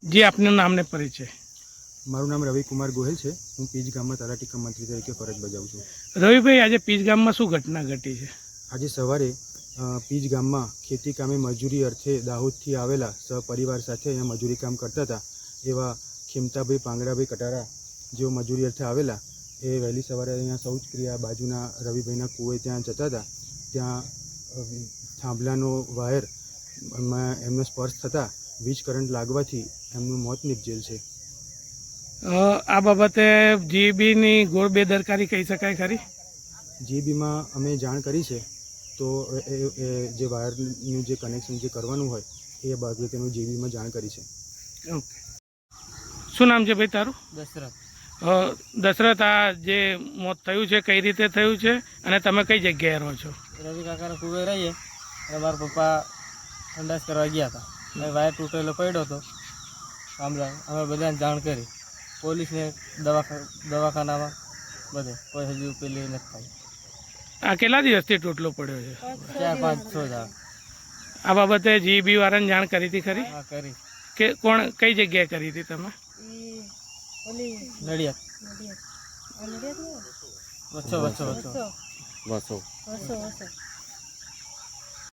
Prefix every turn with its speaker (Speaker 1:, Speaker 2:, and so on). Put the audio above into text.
Speaker 1: જે આપનું નામ ને પરિચય.
Speaker 2: મારું નામ રવિકુમાર ગોહિલ છે. હું પીજ ગામમાં તલાટી કમ મંત્રી તરીકે ફરજ બજાવું છું.
Speaker 1: રવિભાઈ, આજે પીજ ગામમાં શું ઘટના ઘટી છે?
Speaker 2: આજે સવારે પીજ ગામમાં ખેતી કામે મજૂરી અર્થે દાહોદથી આવેલા સહપરિવાર સાથે અહીંયા મજૂરી કામ કરતા હતા એવા ખીમતાભાઈ પાંગડાભાઈ કટારા જેઓ મજૂરી અર્થે આવેલા એ વહેલી સવારે અહીંયા શૌચક્રિયા બાજુના રવિભાઈના કૂએ ત્યાં જતા હતા. ત્યાં થાંભલાનો વાયર એમનો સ્પર્શ થતાં વીજ કરંટ લાગવાથી એમનું મોત નિપજેલ છે.
Speaker 1: આ બાબતે જીબીની ગોળ બેદરકારી કહી શકાય ખરી?
Speaker 2: જીબીમાં અમે જાણ કરી છે, તો એ જે વાયરનું જે કનેક્શન જે કરવાનું હોય એ બાબતેનું જીબીમાં જાણ કરી છે.
Speaker 1: ઓકે. શું નામ છે ભાઈ તારું?
Speaker 3: દશરથ.
Speaker 1: દશરથ, આ જે મોત થયું છે કઈ રીતે થયું છે અને તમે કઈ જગ્યાએ રહો છો?
Speaker 3: રવિ કાકાના કુવે રહીએ અને મારા પપ્પા ઠંડાસ કરવા ગયા હતા અને વાયર તૂટેલો પડ્યો હતો. અમે બધાને જાણ કરી, પોલીસને દવાખાનામાં બધે કોઈ હજુ પેલી નથી થાય.
Speaker 1: આ કેટલા દિવસથી તૂટલો પડ્યો છે?
Speaker 3: 4-5-6 દાડા.
Speaker 1: આ બાબતે જીબી વાળાને જાણ કરી હતી ખરી?
Speaker 3: હા, કરી.
Speaker 1: કે કોણ કઈ જગ્યાએ કરી હતી તમે?
Speaker 3: નડિયાદ. વચ્ચો.